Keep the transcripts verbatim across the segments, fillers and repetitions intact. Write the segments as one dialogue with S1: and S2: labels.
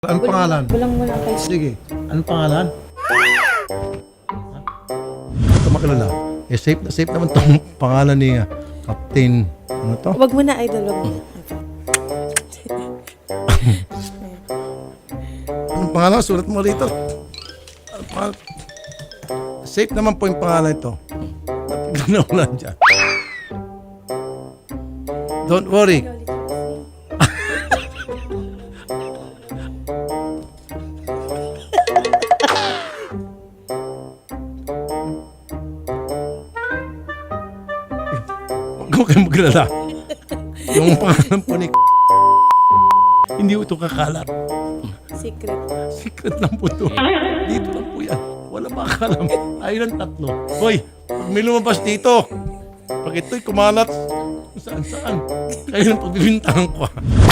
S1: Anong pangalan?
S2: Walang muna kay
S1: Sige. Anong pangalan? Ito makilala. Eh, safe na safe naman itong pangalan ni uh, Captain. Ano to?
S2: Wag mo na, idol. Wag mo na.
S1: Anong pangalan? Sulat mo rito. Anong pangalan? Safe naman po yung pangalan ito. Napiglan na ulan dyan. Don't worry. Huwag kayong maglala. Yung pangalan po ni hindi ito kakalat.
S2: Secret.
S1: Secret lang po ito. Dito lang po yan. Wala makakalam. Tayo lang tatlo. Hoy, pag may lumabas dito, pag ito'y kumalat, saan saan. Kayo lang pagbibintangan ko.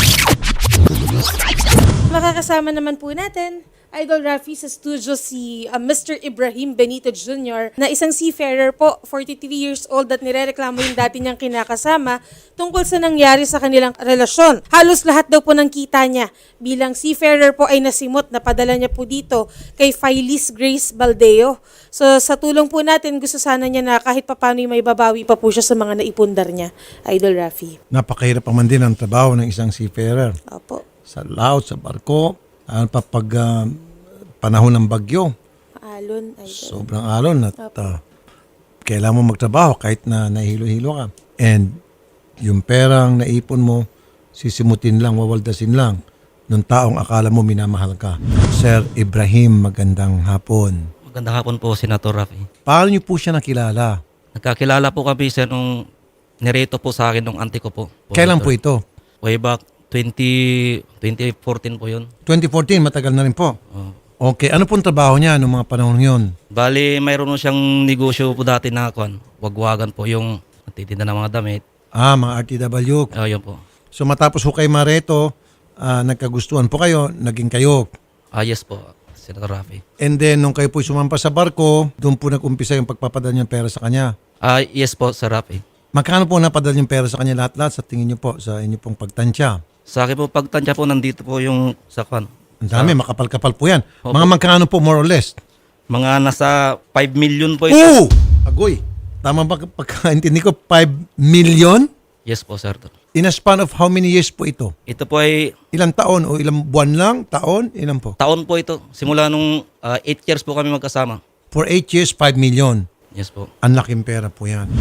S2: Makakasama naman po natin, Idol Rafi, sa studio si uh, Mister Ibrahim Benito Junior na isang seafarer po, forty-three years old at nirereklamo yung dati niyang kinakasama tungkol sa nangyari sa kanilang relasyon. Halos lahat daw po ng kita niya bilang seafarer po ay nasimot na padala niya po dito kay Phyllis Grace Baldeo. So sa tulong po natin, gusto sana niya na kahit papano may babawi pa po siya sa mga naipundar niya, Idol Rafi.
S1: Napakahirap pa man din ang trabaho ng isang seafarer.
S2: Opo.
S1: Sa laut, sa barko, ano pa pag uh, panahon ng bagyo.
S2: Alon, Idol.
S1: Sobrang alon at uh, kailangan mo magtrabaho kahit na nahilo-hilo ka. And yung perang naipon mo, sisimutin lang, wawaldasin lang ng taong akala mo minamahal ka. Sir Ibrahim, magandang hapon.
S3: Magandang hapon po, Senator Rafi. Paano
S1: niyo po siya nakilala?
S3: Nagkakilala po kami, sir, nung nireto po sa akin nung auntie ko po.
S1: Kailan po ito?
S3: Way back twenty fourteen po yun.
S1: twenty fourteen, matagal na rin po.
S3: Oh.
S1: Okay, ano pong trabaho niya noong mga panahon yun?
S3: Bali, mayroon siyang negosyo po dati na kwan. Wagwagan po yung natitinda ng mga damit.
S1: Ah, mga R T W.
S3: Oh, yun po.
S1: So matapos ho kay Mareto, uh, nagkagustuhan po kayo, naging kayo.
S3: Ah, yes po, Senator Rafi.
S1: And then, nung kayo po sumampas sa barko, doon po nag-umpisa yung pagpapadala ng pera sa kanya.
S3: Ah, yes po, Sir Rafi.
S1: Magkano po napadala yung pera sa kanya lahat-lahat sa tingin niyo po, sa inyo pong pagtansya?
S3: Sa akin po, pagtansya po, nandito po yung sa kwan.
S1: Ang dami,
S3: Sa-
S1: makapal-kapal po yan.
S3: Opo.
S1: Mga magkano po, more or less?
S3: Mga nasa five million po ito.
S1: Oo! Agoy! Tama ba pagkaintindi ko, five million?
S3: Yes po, sir.
S1: In a span of how many years po ito?
S3: Ito po ay
S1: Ilang taon o ilang buwan lang? Taon? Ilan po?
S3: taon po ito. Simula nung ah, eight years po kami magkasama.
S1: For eight years, five million.
S3: Yes po.
S1: Ang laking pera po yan.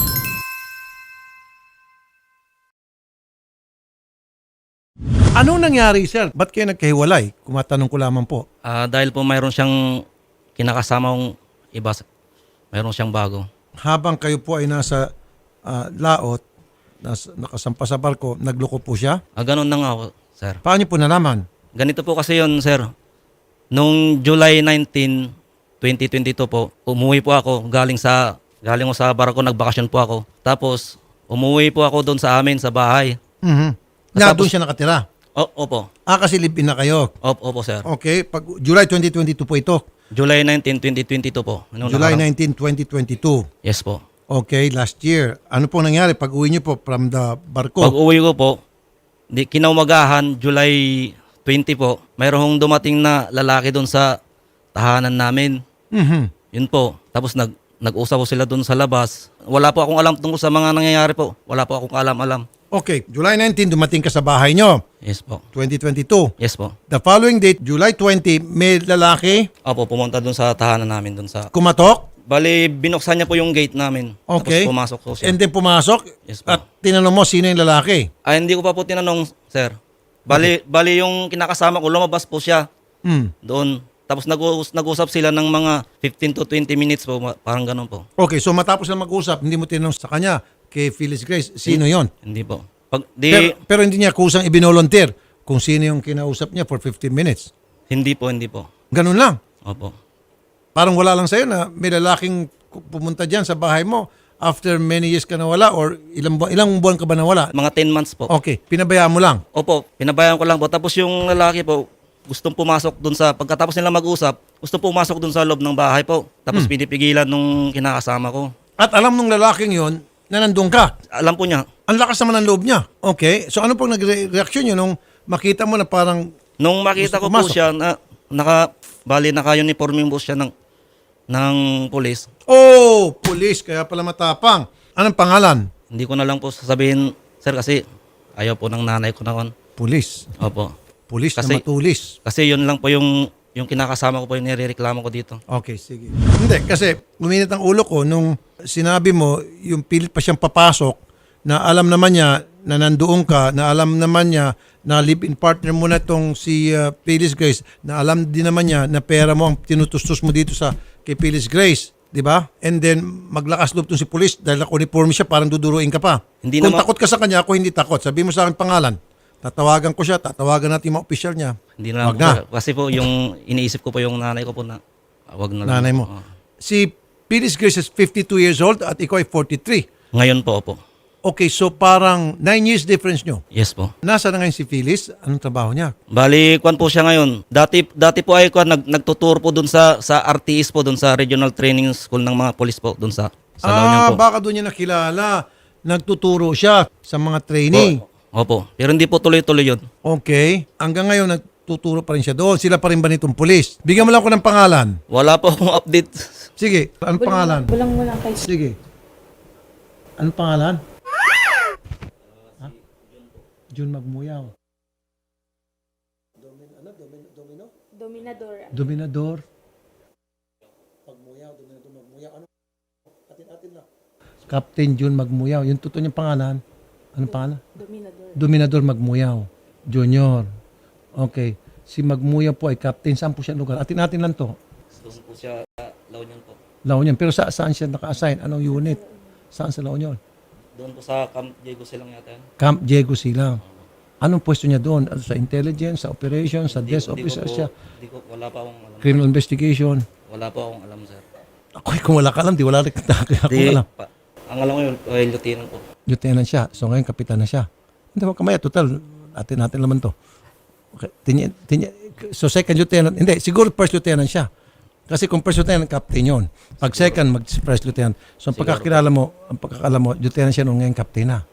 S1: Anong nangyari, sir? Ba't kayo nagkahiwalay? Kumatanong ko lamang po.
S3: Ah, dahil po mayroon siyang kinakasamang iba, mayroon siyang bago.
S1: Habang kayo po ay nasa ah, laot, nas, nakasampa sa barko, nagloko po siya?
S3: Ah, ganun na nga ako, sir.
S1: Paano niyo po nalaman?
S3: Ganito po kasi yun, sir. Nung July nineteenth, twenty twenty-two po, umuwi po ako galing sa galing ko sa barko, nagbakasyon po ako. Tapos umuwi po ako doon sa amin sa bahay.
S1: Mhm. Na
S3: Tapos-
S1: doon siya nakatira.
S3: O, opo.
S1: Ah, kasi live-in na kayo.
S3: Opo, opo, sir.
S1: Okay, pag July twenty twenty-two po ito.
S3: July nineteenth, twenty twenty-two po. Nung
S1: July
S3: nakaraan-
S1: nineteenth, twenty twenty-two.
S3: Yes po.
S1: Okay, last year. Ano po nangyari pag uwi niyo po from the barko?
S3: Pag uwi ko po, di, kinaumagahan, July twentieth po, mayroong dumating na lalaki doon sa tahanan namin.
S1: Mhm.
S3: Yun po. Tapos nag, nag-usap po sila doon sa labas. Wala po akong alam tungkol sa mga nangyayari po. Wala po akong alam-alam.
S1: Okay, July nineteenth, dumating ka sa bahay niyo.
S3: Yes po.
S1: twenty twenty-two.
S3: Yes po.
S1: The following date, July twentieth, may lalaki
S3: Opo, pumunta doon sa tahanan namin doon sa...
S1: kumatok.
S3: Bali, binuksan niya po yung gate namin.
S1: Okay.
S3: Tapos pumasok po siya.
S1: And then pumasok.
S3: Yes po.
S1: At tinanong mo sino yung lalaki.
S3: Ay, hindi ko pa po tinanong, sir. Bali, bali yung kinakasama ko, lumabas po siya
S1: Hmm.
S3: doon. Tapos nag-us- nag-usap sila ng mga fifteen to twenty minutes po, ma- parang ganun po.
S1: Okay, so matapos na mag-usap, hindi mo tinanong sa kanya, kay Phyllis Grace, sino yon?
S3: Hindi po. Pag di,
S1: Pero, pero hindi niya kusang ibinolonteer kung sino yung kinausap niya for fifteen minutes.
S3: hindi po, hindi po.
S1: Ganun lang.
S3: Opo.
S1: Parang wala lang sa'yo na may lalaking pumunta dyan sa bahay mo after many years ka nawala or ilang, bu- ilang buwan ka ba nawala?
S3: Mga ten months po.
S1: Okay, pinabayaan mo lang.
S3: Opo, pinabayaan ko lang po. Tapos yung lalaki po, gustong pumasok dun sa, pagkatapos nila mag-usap, gustong pumasok dun sa loob ng bahay po. Tapos pinipigilan nung kinakasama ko.
S1: At alam nung lalaking yon na nandun ka.
S3: Alam po niya.
S1: Ang lakas naman ng loob niya. Okay, so ano pong nagre-reaction nyo nung makita mo na parang
S3: Nung makita
S1: Gusto
S3: ko po
S1: pumasok.
S3: siya, na, naka, bali, naka-uniforme po siya ng, ng polis.
S1: Oh, police, kaya pala matapang. Anong pangalan?
S3: Hindi ko na lang po sasabihin, sir, kasi ayaw po ng nanay ko na kon.
S1: Police.
S3: Opo.
S1: Police
S3: Kasi-
S1: na matulis.
S3: Kasi yun lang po yung, yung kinakasama ko po yung nirereklamo ko dito.
S1: Okay, sige. Hindi, kasi uminit ang ulo ko nung sinabi mo, yung pilit pa siyang papasok, na alam naman niya na nandoon ka, na alam naman niya na live-in partner mo na itong si uh, Phyllis Grace, na alam din naman niya na pera mo ang tinutustos mo dito sa kay Phyllis Grace. Di ba? And then, maglakas loob tong si police dahil naka-uniforme siya, parang duduruin ka pa.
S3: Hindi
S1: Kung
S3: naman-
S1: takot ka sa kanya, ako hindi takot. Sabi mo sa akin pangalan. Tatawagan ko siya, tatawagan natin yung mga opisyal niya.
S3: Hindi na lang
S1: Wag
S3: po,
S1: na.
S3: sir. Kasi po yung iniisip ko po yung nanay ko po na ah, wag na lang.
S1: Nanay mo.
S3: Oo.
S1: Si Phyllis Grace is fifty-two years old at ikaw ay forty-three.
S3: Ngayon po, opo.
S1: Okay, so parang nine years difference nyo.
S3: Yes po.
S1: Nasa na ngayon si Phyllis? Anong trabaho niya?
S3: Bali, kwan po siya ngayon. Dati dati po ay kwan nag nagtuturo po doon sa sa R T S po doon sa Regional Training School ng mga police po doon sa sa La Union
S1: Ah,
S3: po.
S1: baka doon niya nakilala. Nagtuturo siya sa mga training.
S3: Opo. Pero hindi po tuloy-tuloy 'yun.
S1: Okay. Hanggang ngayon, nagtuturo pa rin siya doon. Sila pa rin ba nitong pulis? Bigyan mo lang ako ng pangalan.
S3: Wala po akong update.
S1: Sige, anong pangalan?
S2: Bulang mo lang kay
S1: Sige. Anong pangalan? Ha? Jun Magmuyaw.
S2: Dominadora.
S1: Dominador. Captain Jun Magmuyaw. Yung totoo niyang pangalan. Anong pangalan?
S2: Dominador.
S1: Dominador Magmuyaw. Junior. Okay. Si Magmuyaw po ay captain. Saan po siya lugar? Atin natin lang to.
S3: Doon po siya sa La Union po.
S1: La Union. Pero sa, saan siya naka-assign? Anong unit? Saan sa La Union?
S3: Doon po sa Camp Diego silang yata. yan.
S1: Camp Diego Silang. Anong pwesto niya doon? Ano, sa intelligence, sa operations, sa desk
S3: Hindi ko
S1: officer
S3: po-
S1: siya?
S3: Hindi ko wala pa akong alam.
S1: Criminal investigation.
S3: Wala pa akong alam, sir.
S1: Ako, kung wala ka alam, di wala rin kaya ako
S3: Di,
S1: alam.
S3: pa, ang alam ko yun, ay lieutenant po.
S1: Lieutenant siya. So ngayon, kapitan na siya. Hindi mo kamaya. Total, atin natin naman to. Okay. Tinya, tinya, so second lieutenant, hindi, siguro first lieutenant siya. Kasi kung first lieutenant, captain yun. Pag second, mag-first lieutenant. So ang pagkakilala mo, ang pagkakala mo, lieutenant siya nung ngayon, captain na.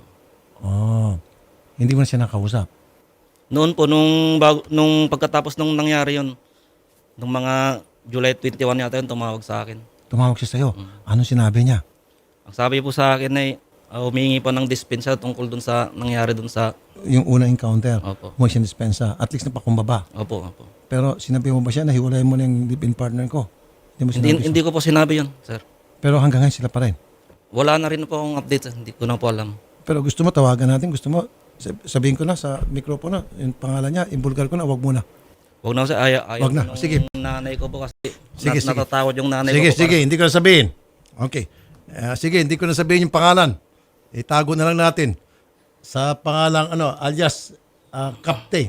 S1: Oh. Hindi mo na siya nakausap.
S3: Noon po, nung, bago, nung pagkatapos nung nangyari yun, nung mga July twenty-one yata yun, tumawag sa akin.
S1: Tumawag siya sa'yo. Anong sinabi niya?
S3: Ang sabi po sa akin ay uh, humingi pa ng dispensa tungkol dun sa nangyari dun sa...
S1: Yung unang encounter.
S3: Opo.
S1: Mo siya dispensa. At least napakumbaba.
S3: Opo, opo.
S1: Pero sinabi mo ba siya na hiwalay mo na yung live-in partner ko? Hindi mo sinabi
S3: Hindi,
S1: siya?
S3: hindi ko po sinabi yun, sir.
S1: Pero hanggang ngayon sila pa rin.
S3: Wala na rin po akong update, sir. Hindi ko na po alam.
S1: Pero gusto mo, tawagan natin. Gusto mo, sab- sabihin ko na sa mikropono, yung pangalan niya, imbulgar ko na, wag muna.
S3: Huwag na, sir. Ayaw, ayaw
S1: Wag na.
S3: nung
S1: Sige.
S3: nanay ko po kasi
S1: Sige,
S3: nat-
S1: sige.
S3: natatawad yung nanay
S1: Sige,
S3: ko po.
S1: sige, hindi ko na sabihin. Okay. Eh, sige, hindi ko na sabihin yung pangalan. Itago na lang natin. Sa pangalang, ano, alias uh, Captain.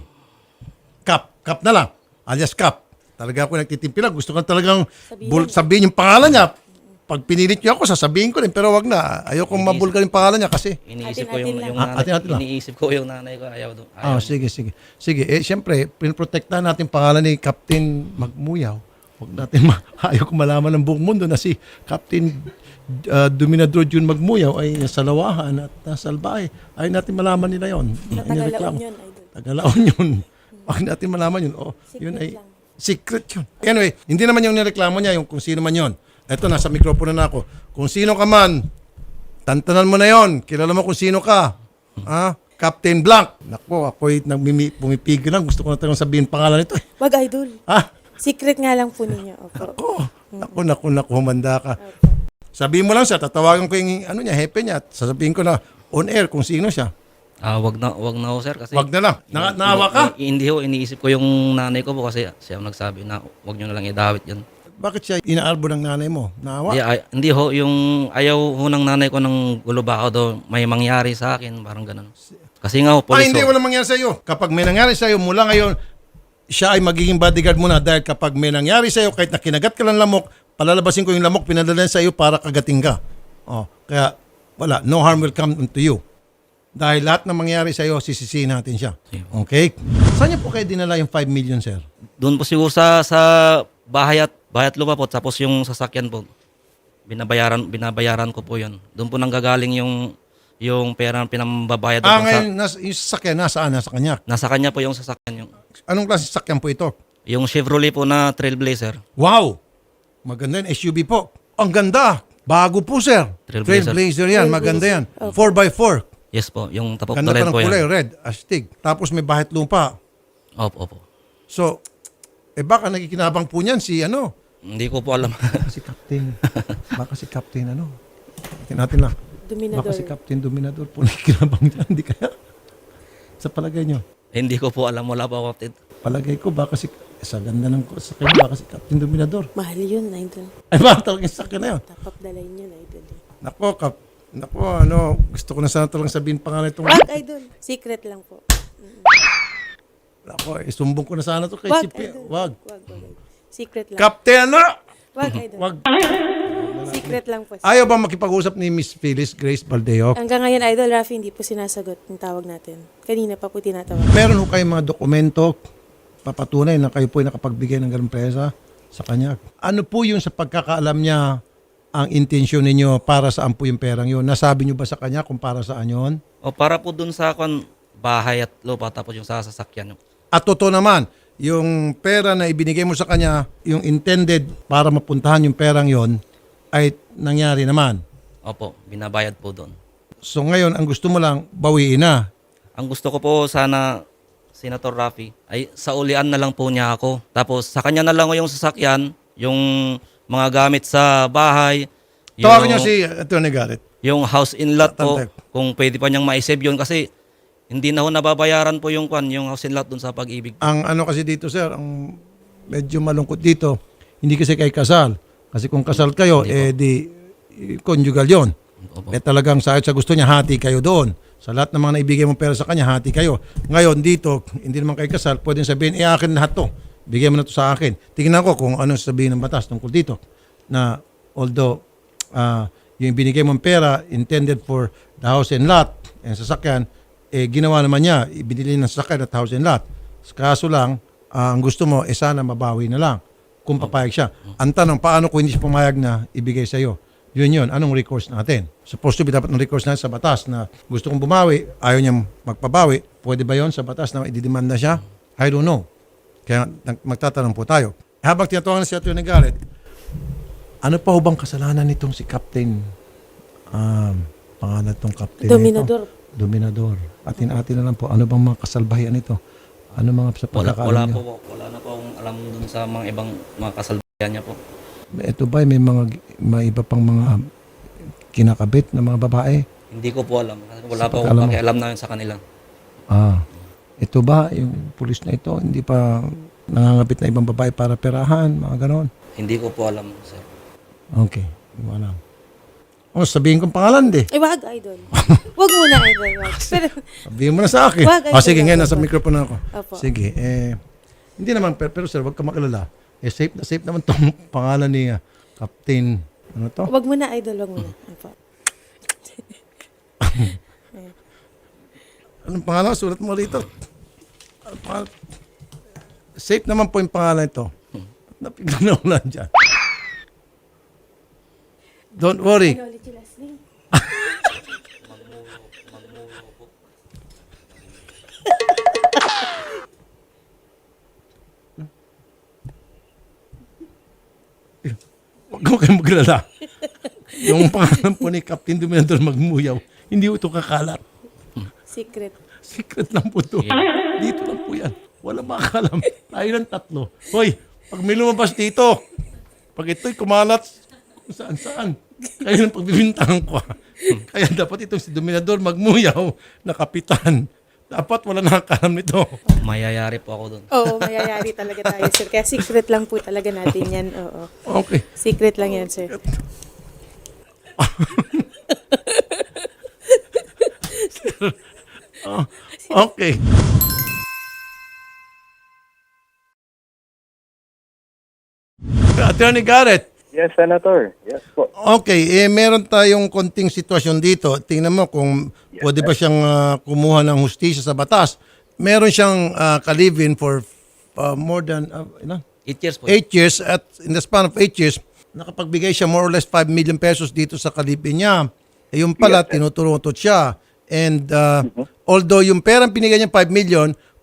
S1: Cap. Cap na lang. Alias Cap. Talaga ako nagtitimpilan. Gusto ko talagang
S2: Sabihin.
S1: bul- sabihin yung pangalan niya. Pag pinilit niyo ako, sasabihin ko rin. Pero wag na. Ayoko mabulgar yung pangalan niya kasi.
S3: Iniisip ko
S2: Atin-atin
S3: yung,
S2: lang.
S3: yung
S1: Ah,
S3: nanay,
S1: atin-atin lang.
S3: iniisip ko yung nanay ko. Ayaw doon.
S1: Ah, sige, sige. Sige, eh, siyempre, pinoprotektahan natin pangalan ni Captain Magmuyaw. Huwag natin, ma- ayaw ko malaman ng buong mundo na si Captain uh, Dominador Jun Magmuyaw ay nasa Lawahan at nasa Albay. Ayaw natin malaman nila yon.
S2: Sa Tagalaon yun, idol.
S1: Tagalaon yun. Huwag natin malaman yun. Oh, yun ay
S2: lang.
S1: secret yun. Anyway, hindi naman yung nireklamo niya, yung kung sino man yun. Eto, nasa mikropono na ako. Kung sino ka man, tantanan mo na yon. Kilala mo kung sino ka. Ha? Captain Blank. Nako, ako'y nagmimi- pumipigil lang. Gusto ko na talagang sabihin pangalan nito. Eh.
S2: Wag, idol.
S1: Ha?
S2: Secret nga lang po ninyo. Opo.
S1: Ako, naku, naku, naku, humanda ka. Sabihin mo lang siya, tatawagan ko yung ano niya, hepe niya, at sasabihin ko na on air kung sino siya.
S3: Ah, wag na, wag na ho, sir. Kasi
S1: Wag na lang. Na, naawa ka?
S3: I- hindi ho, iniisip ko yung nanay ko po kasi siya ang nagsabi na wag nyo na lang idawit yan.
S1: Bakit siya inaarbo ng nanay mo? Naawa?
S3: Hindi, ay, hindi ho, yung ayaw ho ng nanay ko ng gulo baka daw may mangyari sa akin, parang ganun. Kasi nga ho,
S1: Ah,
S3: police
S1: hindi,
S3: ho.
S1: walang mangyari sa iyo. Kapag may nangyari sa iyo, mula ngayon, siya ay magiging bodyguard mo na dahil kapag may nangyari sa iyo, kahit na kinagat ka ng lamok, palalabasin ko yung lamok, pinadala sa iyo para kagating ka. Oh, kaya, wala, no harm will come to you. Dahil lahat na mangyari sa iyo, sisisihin natin siya. Okay? Saan niyo po kayo dinala yung five million, sir?
S3: Doon po siguro sa, sa bahay at, bahay at lupa po, tapos yung sasakyan po, binabayaran, binabayaran ko po yun. Doon po nanggagaling yung, yung pera na pinambabayad
S1: Ah,
S3: po sa,
S1: ngayon, nas, yung sasakyan, nasaan? Nasa kanya.
S3: nasa kanya po yung sasakyan yung,
S1: Anong klase sasakyan po ito?
S3: Yung Chevrolet po na Trailblazer.
S1: Wow! Maganda yan. S U V po. Ang ganda. Bago po, sir.
S3: Trailblazer.
S1: Trailblazer yan. Maganda yan. four by four.
S3: Yes po, yung tapok
S1: Ganda
S3: na
S1: pa
S3: rin
S1: ng
S3: po
S1: kulay.
S3: yan.
S1: Red. Astig. Tapos may bahit lupa.
S3: Opo, opo.
S1: So, eh baka nakikinabang po niyan si ano?
S3: Hindi ko po alam.
S1: Si Captain. Baka si Captain ano? Tingnan natin lang.
S2: Dominador.
S1: Baka si Captain Dominador po nakikinabang niyan. Hindi kaya? Sa palagay nyo?
S3: Hindi ko po alam, wala po ako kapatid.
S1: Palagay ko baka si sa ganda ng sa kanya baka si Captain Dominador.
S2: Mahal yun, idol.
S1: Ay baka talagang sakyan na yun.
S2: Tapak dalay niya, idol.
S1: Nako, Kap. Nako, ano, gusto ko na sana talagang sabihin pangalan itong...
S2: Wag, idol. Secret lang po.
S1: Nako, isumbong ko na sana to kay
S2: Wag,
S1: si P.
S2: idol.
S1: Wag.
S2: Wag, wag, idol. Secret lang.
S1: Captain, ano?
S2: Wag, idol.
S1: Wag.
S2: Secret lang po.
S1: Ayaw ba makipag-usap ni Miss Phyllis Grace Baldeo?
S2: Hanggang ngayon, idol, Rafi, hindi po sinasagot yung tawag natin. Kanina pa po tinatawag.
S1: Meron ho kayong mga dokumento papatunay na kayo po ay nakapagbigay ng ganung presa sa kanya. Ano po yung sa pagkakaalam niya ang intensyon ninyo para saan po yung perang yun? Nasabi niyo ba sa kanya kung para saan yun?
S3: O para po dun sa kon bahay at lupa tapos yung sa sasakyan.
S1: At totoo naman, yung pera na ibinigay mo sa kanya, yung intended para mapuntahan yung perang yon ay nangyari naman.
S3: Opo, binabayad po doon.
S1: So ngayon, ang gusto mo lang, bawiin na.
S3: Ang gusto ko po sana, Senator Rafi, ay sa ulian na lang po niya ako. Tapos sa kanya na lang yung sasakyan, yung mga gamit sa bahay, yung,
S1: Tawagin niyo si Attorney Garrett.
S3: yung house in lot po,
S1: Tantay.
S3: kung pwede pa niyang ma-save yun kasi hindi na ho nababayaran po yung kwan, yung house in lot dun sa pag-ibig.
S1: Ang ano kasi dito, sir, ang medyo malungkot dito, hindi kasi kay kasal. Kasi kung kasal kayo, eh di eh, conjugal yon.
S3: Opo.
S1: Eh talagang sa, sa gusto niya, hati kayo doon. Sa lahat ng mga naibigay mong pera sa kanya, hati kayo. Ngayon dito, hindi naman kayo kasal, pwedeng sabihin, eh akin lahat to. Bigay mo na to sa akin. Tingnan ko kung ano sabihin ng batas tungkol dito. Na although ah, yung binigay mong pera intended for the house and lot and sasakyan, eh ginawa naman niya, ibinili ng sasakyan at house and lot. Kaso lang, ah, ang gusto mo, eh sana mabawi na lang kung papayag siya. Ang tanong, paano kung hindi siya pumayag na ibigay sa iyo? Yun yun, anong recourse natin? Supposed to be dapat ng recourse natin sa batas na gusto kong bumawi, ayaw niya magpabawi. Pwede ba yon sa batas na ididemanda siya? I don't know. Kaya nag- magtatanong po tayo. Habang tinatawagan na si Atty. Garrett, ano pa ho bang kasalanan nitong si Captain, um, pangalan itong Captain na
S2: Dominador.
S1: ito? Dominador. Atin-atin na lang po, ano bang mga kasalbahian nito? Ano mga sa
S3: Wala,
S1: pagkakaalam
S3: wala
S1: niyo?
S3: po, wala na po akong alam dun sa mga ibang mga kasalbayan niya po.
S1: Ito ba may mga may iba pang mga kinakabit na mga babae?
S3: Hindi ko po alam. Kasi wala
S1: Sa
S3: po akong
S1: pagkaalam mo.
S3: pakialam na yun sa kanila.
S1: Ah. Ito ba yung pulis na ito hindi pa nangangabit na ibang babae para perahan, mga ganon?
S3: Hindi ko po alam, sir.
S1: Okay, hindi mo alam. Oh, sabihin kong pangalan di.
S2: Ay, wag, idol. Wag muna, idol. Wag. Pero,
S1: Sabihin mo na sa akin.
S2: Wag, ay,
S1: Oh, sige,
S2: wag,
S1: ngayon
S2: wag,
S1: nasa
S2: wag.
S1: microphone ako.
S2: Opo.
S1: Sige, eh hindi naman pero, pero sir, wag ka makilala. Eh safe na safe naman tong pangalan ni uh, Captain ano to?
S2: wag muna, idol. Wag muna. Opo.
S1: Anong pangalan? Sulat mo rito. Anong pangalan? Safe naman po yung pangalan ito. Napignan na ulan dyan. Don't worry.
S2: Ano ulit yung last name?
S1: Huwag mo kayong maglala. Yung pangalan po ni Captain Dominador Magmuyaw, hindi ito kakalat.
S2: Secret.
S1: Secret lang po ito. Dito lang po yan. Wala makakalam. Tayo lang tatlo. Hoy, pag may lumabas dito, pag ito'y kumalat, kung saan saan, kayo ng pagbibintangan ko. ah. Kaya dapat itong si Dominador Magmuyaw na kapitan. Dapat wala nakakalam nito.
S3: Mayayari po ako doon.
S2: Oo, mayayari talaga tayo, sir. Kaya secret lang po talaga natin yan. Oo.
S1: Okay.
S2: Secret lang yan, sir.
S1: Oh, okay. Attorney Garrett,
S4: Yes, Senator. Yes po.
S1: okay, eh meron tayong konting sitwasyon dito. Tingnan mo kung pwede ba siyang ah, kumuha ng hustisya sa batas. Meron siyang uh, kalivin for ah, more than uh, ilan?
S3: Eight years po.
S1: eight years at in the span of eight years, nakapagbigay siya more or less five million pesos dito sa kalibin niya. Eh, yung pala,
S4: Yes, sir.
S1: tinuturutot siya. And uh, although yung perang pinigay niya five million,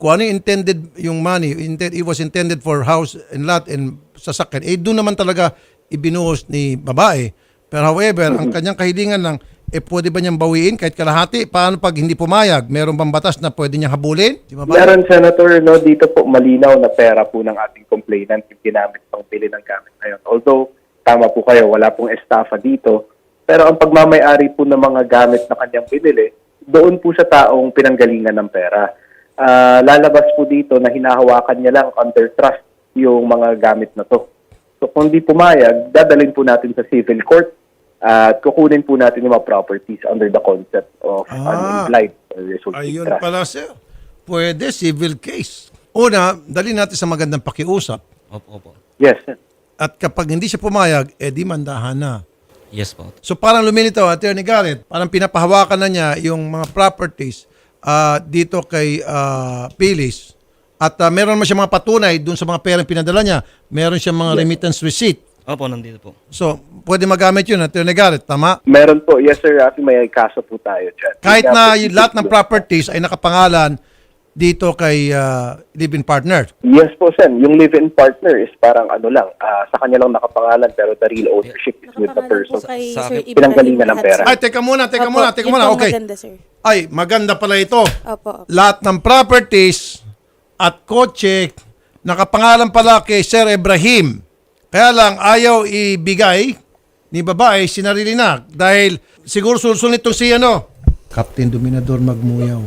S1: kung ano yung intended yung money, intent, it was intended for house and lot and sasakyan, eh doon naman talaga ibinuhos ni babae. Pero however, ang kanyang kahilingan lang, eh pwede ba niyang bawiin kahit kalahati? Paano pag hindi pumayag? Meron bang batas na pwede niyang habulin? Di ba ba?
S4: Meron, Senator, no, dito po malinaw na pera po ng ating complainant yung ginamit pang bili ng gamit na yun. Although, tama po kayo, wala pong estafa dito. Pero ang pagmamayari po ng mga gamit na kanyang binili, doon po sa taong pinanggalingan ng pera. Ah, lalabas po dito na hinahawakan niya lang under trust yung mga gamit na to. So kung di pumayag, dadalhin po natin sa civil court at kukunin po natin yung mga properties under the concept of
S1: Ah,
S4: unimplied or resulting
S1: Ayun
S4: trust.
S1: pala, sir. Pwede, civil case. Una, dali natin sa magandang pakiusap.
S3: Opo, opo.
S4: Yes, sir.
S1: At kapag hindi siya pumayag, eh di mandahan na.
S3: Yes po.
S1: So parang lumilitaw, Attorney Garrett, parang pinapahawakan na niya yung mga properties ah, dito kay ah, Phyllis. At ah, meron naman siya mga patunay dun sa mga perang pinadala niya. Meron siya mga remittance receipt.
S3: Opo, nandito po.
S1: So, pwede magamit yun, Attorney Garrett, tama?
S4: Meron po. Yes, sir. Rafi, may kaso po tayo dyan.
S1: Kahit
S4: Kaya
S1: na
S4: po,
S1: yung lahat ng properties ay nakapangalan dito kay ah, live-in partner.
S4: Yes po, Sen. Yung live-in partner is parang ano lang, ah, sa kanya lang nakapangalan pero the real ownership is with the
S2: Nakapangalan
S4: person.
S2: po kay
S3: Sa
S2: Sir
S3: akin-
S2: Ibrahim
S4: Pinanggalingan ng
S2: lahat,
S4: pera.
S2: sir.
S1: Ay, teka muna, teka
S2: Opo,
S1: muna, teka
S2: yun
S1: muna.
S2: po
S1: Okay.
S2: maganda, sir.
S1: Ay, maganda pala ito.
S2: Opo, opo.
S1: Lahat ng properties at kotse nakapangalan pala kay Sir Ibrahim. Kaya lang ayaw ibigay ni babae sinarili na dahil siguro sulsul nitong si ano, Captain Dominador Magmuyaw.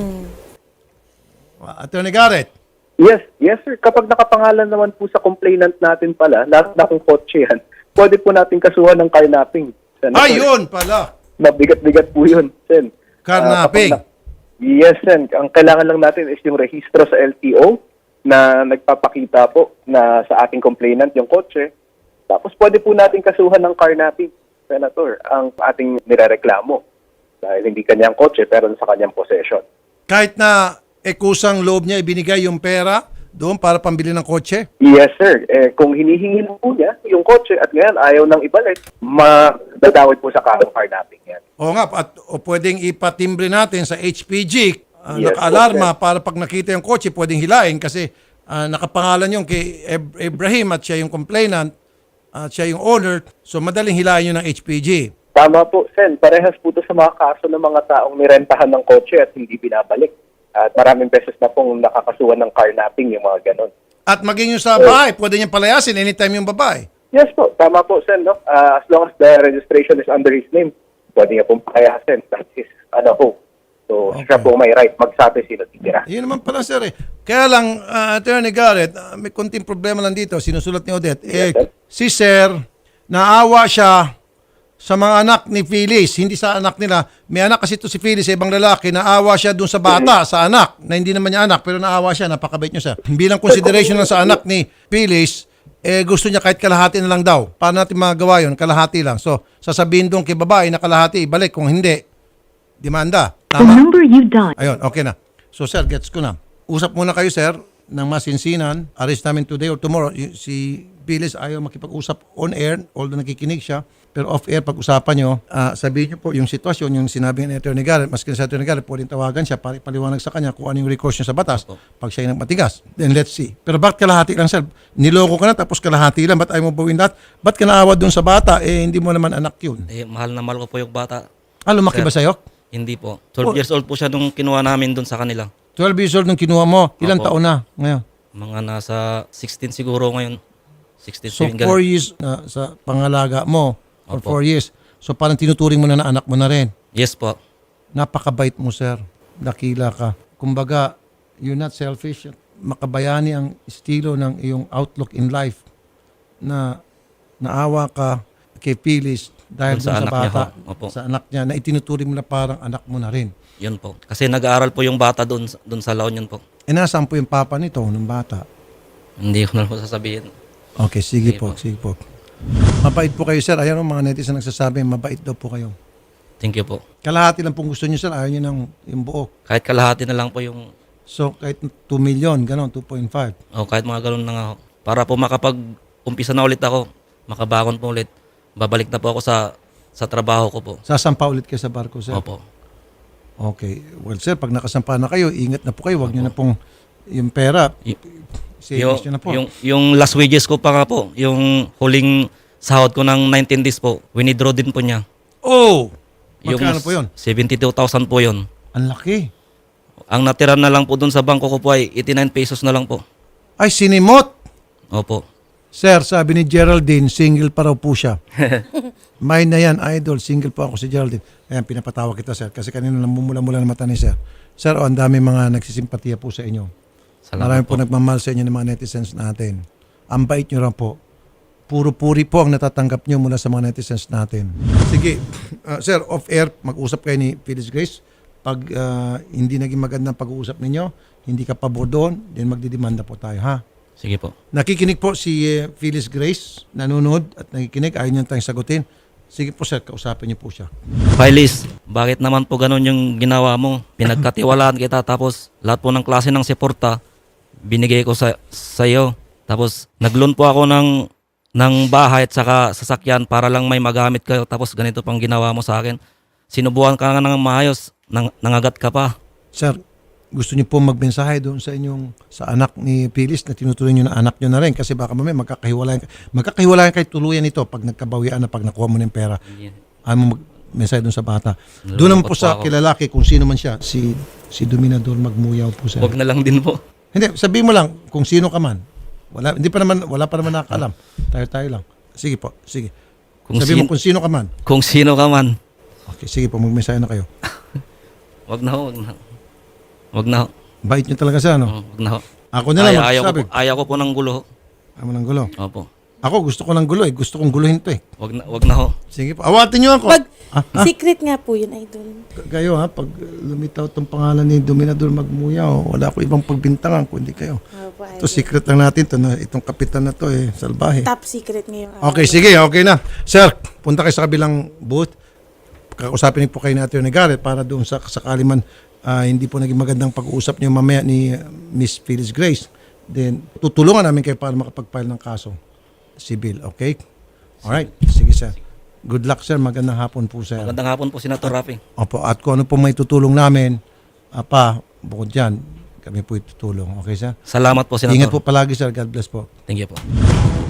S1: Attorney Garrett.
S4: Yes, yes sir. Kapag nakapangalan naman po sa complainant natin pala, lahat na kung kotse yan, pwede po natin kasuhan ng carnapping. Senator.
S1: Ayun pala.
S4: Mabigat-bigat po yun, Sen.
S1: Carnapping.
S4: Ah, kapag na- yes, Sen. Ang kailangan lang natin is yung rehistro sa L T O na nagpapakita po na sa ating complainant yung kotse. Tapos pwede po natin kasuhan ng carnapping, Senator, ang ating nirereklamo. Dahil hindi kanyang kotse pero sa kanyang possession.
S1: Kahit na eh, kusang loob niya ibinigay yung pera doon para pambili ng kotse.
S4: Yes, sir. Eh, kung hinihingi po niya yung kotse at ngayon ayaw nang ibalik, madadawit po sa kasong carnapping yan.
S1: Oo nga, at o pwedeng ipatimbre natin sa H P G, uh,
S4: Yes,
S1: naka-alarma
S4: okay.
S1: para pag nakita yung kotse, pwedeng hilain kasi ah, nakapangalan yung kay Ib- Ibrahim at siya yung complainant at siya yung owner, so madaling hilain yun ng H P G.
S4: Tama po, Sen. Parehas po ito sa mga kaso ng mga taong nirentahan ng kotse at hindi binabalik. At maraming beses na pong nakakasuhan ng carnapping yung mga ganon.
S1: At maging yung sa bahay, pwede niyang palayasin anytime yung babae.
S4: Yes po, tama po, Sen. No? Ah, as long as the registration is under his name, pwede niya pong payasin. That is, ano po. So, siya po may right magsabi sino titira.
S1: Yun naman pala, sir. Eh. Kaya lang, uh, Attorney Garrett, ah, may konting problema lang dito. Sinusulat ni Odette. Eh,
S4: Yes, sir.
S1: si sir, naawa siya sa mga anak ni Phyllis. Hindi sa anak nila. May anak kasi ito si Phyllis, sa ibang lalaki. Naawa siya dun sa bata, sa anak. Na hindi naman niya anak, pero naawa siya. Napakabait niyo, sir. Bilang consideration lang sa anak ni Phyllis, eh gusto niya kahit kalahati na lang daw. Paano natin magawa yun? Kalahati lang. So, sasabihin doon kay babae na kalahati, ibalik. Kung hindi, demanda.
S5: The
S1: Tama?
S5: number you dialed.
S1: Ayun, okay na. So sir, gets ko na. Usap muna kayo sir ng masinsinan. Arrest namin today or tomorrow. Y- Si Phyllis ayaw makipag-usap on air, although nakikinig siya. Pero off air, pag-usapan nyo, ah, sabihin nyo po yung sitwasyon, yung sinabi ni Attorney Garrett, maski sa Attorney Garrett, pwedeng tawagan siya para ipaliwanag sa kanya kung ano yung recourse niya sa batas pag siya yung matigas. Then let's see. Pero bakit kalahati lang sir? Niloko ka na tapos kalahati lang. Ba't ayaw mo bawin lahat? Ba't ka naawa dun sa bata? Eh, hindi mo naman anak yun.
S3: Eh, mahal na mahal ko po yung bata.
S1: Ah, lumaki ba sa'yo?
S3: Hindi po. twelve
S1: Oh.
S3: years old po siya nung kinuha namin doon sa kanila.
S1: twelve years old nung kinuha mo. Ilang
S3: Opo.
S1: taon na ngayon?
S3: Mga nasa sixteen siguro ngayon. sixteen,
S1: So,
S3: seventeen,
S1: four
S3: ganun.
S1: years na sa pangalaga mo or
S3: Opo.
S1: four years. So, parang tinuturing mo na na anak mo na rin.
S3: Yes po.
S1: Napakabait mo, sir. Dakila ka. Kumbaga, you're not selfish. Makabayani ang estilo ng iyong outlook in life na naawa ka kay Phyllis dahil
S3: Dun
S1: dun
S3: sa
S1: sa,
S3: anak niya
S1: bata,
S3: ho. Opo.
S1: sa anak niya, na itinuturing mo na parang anak mo na rin.
S3: Yun po. Kasi nag-aaral po yung bata doon doon sa La Union po.
S1: E nasaan po yung papa nito, ng bata?
S3: Hindi ko na po sasabihin.
S1: Okay, sige
S3: Sige
S1: po,
S3: po.
S1: sige po. Mabait po kayo, sir. Ayan ang mga netizen nagsasabi, mabait daw po kayo.
S3: Thank you po.
S1: Kalahati lang pong gusto niyo, sir. Ayaw niyo ng yung buo.
S3: Kahit kalahati na lang po yung,
S1: So, kahit two million, gano'n, two point five.
S3: o kahit mga ganun na nga ako. Para po makapag-umpisa na ulit ako, makabangon po ulit. Babalik na po ako sa sa trabaho ko po.
S1: Sasampa ulit kayo sa barko, sir.
S3: Opo.
S1: Okay. Well, sir, pag nakasampa na kayo, ingat na po kayo. Huwag nyo na pong yung pera.
S3: Y-
S1: Savings
S3: Yung,
S1: nyo na po.
S3: yung, yung last wages ko pa nga po, yung huling sahod ko ng nineteen days po, winidraw din po niya.
S1: Oh! Magkano po yun?
S3: seventy-two thousand po yun.
S1: Ang laki.
S3: Ang natira na lang po dun sa bangko ko po ay eighty-nine pesos na lang po.
S1: Ay, sinimot!
S3: Opo.
S1: Sir, sabi ni Geraldine, single pa raw po siya. Mine na yan, idol. Single po ako si Geraldine. Ayan, pinapatawa kita, sir. Kasi kanina namumula-mula na mata ni sir. Sir, oh, ang dami mga nagsisimpatiya po sa inyo. Marami
S3: Salamat
S1: po nagmamahal sa inyo ng mga netizens natin. Ang bait nyo lang po. Puro puri po ang natatanggap nyo mula sa mga netizens natin. Sige, uh, sir, off-air, mag-usap kayo ni Phyllis Grace. Pag uh, hindi naging magandang pag-uusap ninyo, hindi ka pabor doon, then magdidemanda po tayo, ha?
S3: Sige po.
S1: Nakikinig po si uh, Phyllis Grace, nanonood at nakikinig, ayaw niyo tayong sagutin. Sige po sir, kausapin niyo po siya.
S3: Phyllis, bakit naman po ganun yung ginawa mo? Pinagkatiwalaan kita tapos lahat po ng klase ng suporta binigay ko sa iyo. Tapos nag-loan po ako ng ng bahay at saka sasakyan para lang may magamit kayo. Tapos ganito pang ginawa mo sa akin. Sinubukan ka nga ng maayos, nang, nangagat ka pa.
S1: Sir, gusto niyo po magmensahe doon sa inyong sa anak ni Phyllis na tinutuloy niyo na anak niyo na rin kasi baka mamaya magkakahiwalayan magkakahiwalayan kayo tuluyan nito pag nagkabawian na pag nakuha mo ng pera. Ano mo magmensahe doon sa bata. Doon naman po
S3: Nalulungkot
S1: sa
S3: po ako.
S1: kilalaki kung sino man siya, si si Dominador Magmuyaw po sir.
S3: Huwag na lang din po.
S1: Hindi, sabihin mo lang kung sino ka man. Wala hindi pa naman wala pa naman nakakaalam. Tayo-tayo lang. Sige po, sige.
S3: Kung
S1: Sabihin mo
S3: sin-
S1: kung sino ka man.
S3: Kung sino ka man.
S1: Okay, sige po, magmensahe na kayo.
S3: Wag na ho, wag na ho. Wag na ho.
S1: Bait niyo talaga siya, no?
S3: Oh, Wag na ho.
S1: Ako na lang
S3: Ayaw, ayaw, ko
S1: magsasabi.
S3: po, ayaw ko po ng gulo ho.
S1: Ayaw mo ng gulo.
S3: Opo.
S1: Ako gusto ko ng gulo eh. Gusto kong guluhin to eh.
S3: Wag na, wag na ho.
S1: Sige po. Awatin niyo ako.
S2: Pag,
S1: Ah, ah,
S2: secret nga po yun, idol.
S1: kayo ha, pag lumitaw tong pangalan ni Dominador Magmuyaw, wala ko ibang pagbintangan kundi kayo.
S2: Opo,
S1: Ito
S2: idol.
S1: secret lang natin to na itong kapitan na to eh, salbahe.
S2: Top secret ngayong
S1: Okay, sige, okay na. Sir, punta kayo sa kabilang booth. Kakausapin po kayo natin ni Garrett para doon sa sakali man ah, hindi po naging magandang pag-uusap niyo mamaya ni uh, Miss Phyllis Grace. Then, tutulungan namin kayo para makapag-file ng kaso. Civil, okay? Alright, sige sir. Good luck sir, magandang hapon po sir.
S3: Magandang hapon po, Senator Rafi.
S1: Opo, at kung ano po may tutulong namin, apa, bukod dyan, kami po itutulong. Okay sir?
S3: Salamat po, Senator.
S1: Ingat po palagi sir, God bless po.
S3: Thank you po.